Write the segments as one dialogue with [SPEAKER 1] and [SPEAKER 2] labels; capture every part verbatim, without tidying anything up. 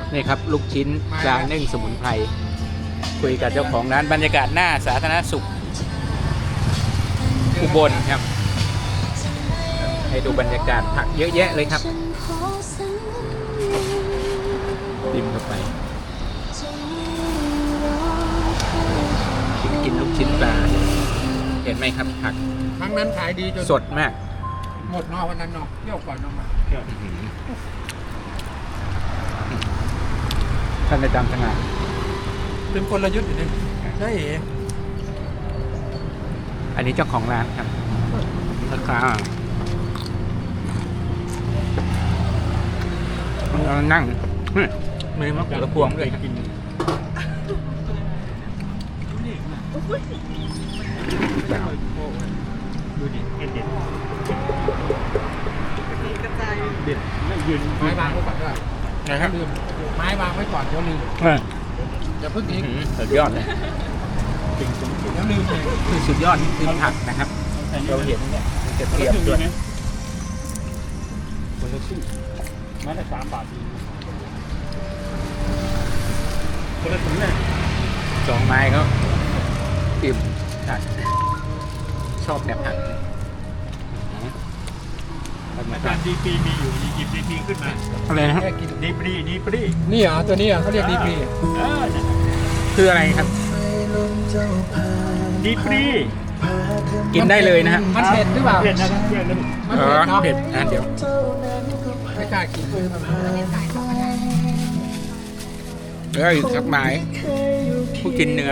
[SPEAKER 1] นี่ครับลูกชิ้นปลานึ่งสมุนไพรคุยกับเจ้าของร้านบรรยากาศหน้าสาธารณสุขอุบลครับให้ดูบรรยากาศผักเยอะแยะเลยครับติมเข้าไปกินลูกชิ้นปลาเห็นไหมครับผัก
[SPEAKER 2] ครั้งนั้นขายดีจน
[SPEAKER 1] สดมาก
[SPEAKER 2] หมดนอกวันนั้นนอกเที่ยวก่อนนอกมา
[SPEAKER 1] ท่านในตามสง่า
[SPEAKER 2] เป็นกลยุทธ์อยู่นี่ใช่เหรอ
[SPEAKER 1] อันนี้เจ้าของร้านครับราคาเรานั่งมือมะกรูดพวงด้วยกินดูดิเด็ดเด็ดเด็ดไม่ยืน
[SPEAKER 2] ไม้วางไว้ก่อนด้วย
[SPEAKER 1] นะครับ
[SPEAKER 2] ลืมไม้วางไว้ก่อนเดี๋ยวลืมอย่าเพิ่งทิ้ง
[SPEAKER 1] สุดยอดเลย
[SPEAKER 2] เดี๋ยวลืมเลย
[SPEAKER 1] คือสุดยอดนี่คือผักนะครับเราเห็นเนี่ยจะเทียบด้วย
[SPEAKER 2] คนละครึ่งไม้ละสามบาทคนละถุงเนี่ย
[SPEAKER 1] สองไม้เขาอิ่มผักชอบแบบผัก
[SPEAKER 3] อาจารย์ดีปรีมีอยู่หยิบดีปรีขึ้นมา
[SPEAKER 1] อะไรนะครับ
[SPEAKER 2] แค่กิน
[SPEAKER 3] ดีปรีดีปรี
[SPEAKER 2] นี่เหรอตัวนี้เหรอเขาเรียกดีปรี
[SPEAKER 3] เออ
[SPEAKER 1] คืออะไรครับ
[SPEAKER 3] ดีปรี
[SPEAKER 1] กินได้เลยนะฮะ
[SPEAKER 2] มันเผ็ดหรือเปล่า
[SPEAKER 3] เผ็ดนะครับเพื่อนนะ
[SPEAKER 2] มัน
[SPEAKER 1] อ๋
[SPEAKER 2] เผ็ด
[SPEAKER 1] อ
[SPEAKER 2] เนาะ
[SPEAKER 1] เผ็ดอ่ะเดี๋ยว
[SPEAKER 2] ไม่กล้ากินเลยทำไม
[SPEAKER 1] แล้วอีกสักไม้ผู้กินเนื้อ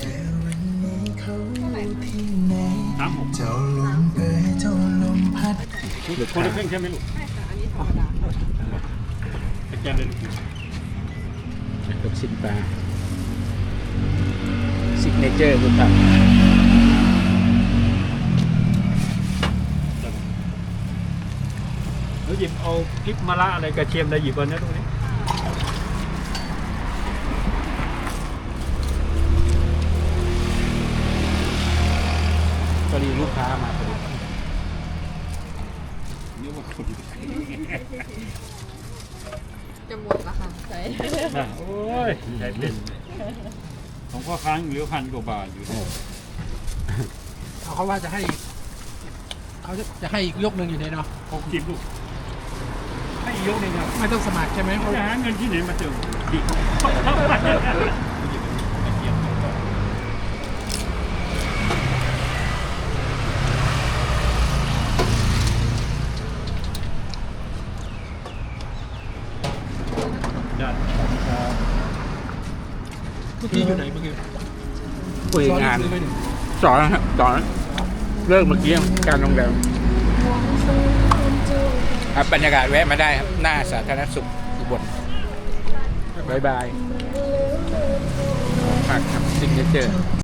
[SPEAKER 3] สามหกคนละครึ่งใช่ไหมลูกอาจารย์เลย
[SPEAKER 1] ลูกชิ้นปลาซิกเนเจอร์คือผัก
[SPEAKER 3] แล้วหยิบเอาพริกมะระอะไรกระเทียมอะไรหยิบเอานะตรงนี้
[SPEAKER 1] พอดีลูกค้ามาพอดี
[SPEAKER 3] นี่ว่าคน
[SPEAKER 4] จะหมดละค่ะใช่
[SPEAKER 3] นะโอ้ยใหญ่เป็นของพ่อค้างเหลือพันกว่าบาทอยู่
[SPEAKER 2] เอาเขาว่าจะให้เขาจะจะให้อีกยกหนึ่งอยู่ในเนาะ
[SPEAKER 3] หกสิบลูกให้อีกยกหนึ่งครับ
[SPEAKER 2] ไม่ต้องสมัครใช่ไหมเพราะ
[SPEAKER 3] จะหาเงินที่ไหนมาเติมดิได้
[SPEAKER 2] เมื่อกี้อยู่ไหนเมื่อกี้
[SPEAKER 1] คุยงาน
[SPEAKER 2] ซื้อไหมเนี่ย
[SPEAKER 1] สอนครับสอนเลิกเมื่อกี้การโรงแรมครับบรรยากาศแวะมาได้ครับหน้าสาธารณสุขอุบลบายบายผักครับซิกเนเจอร์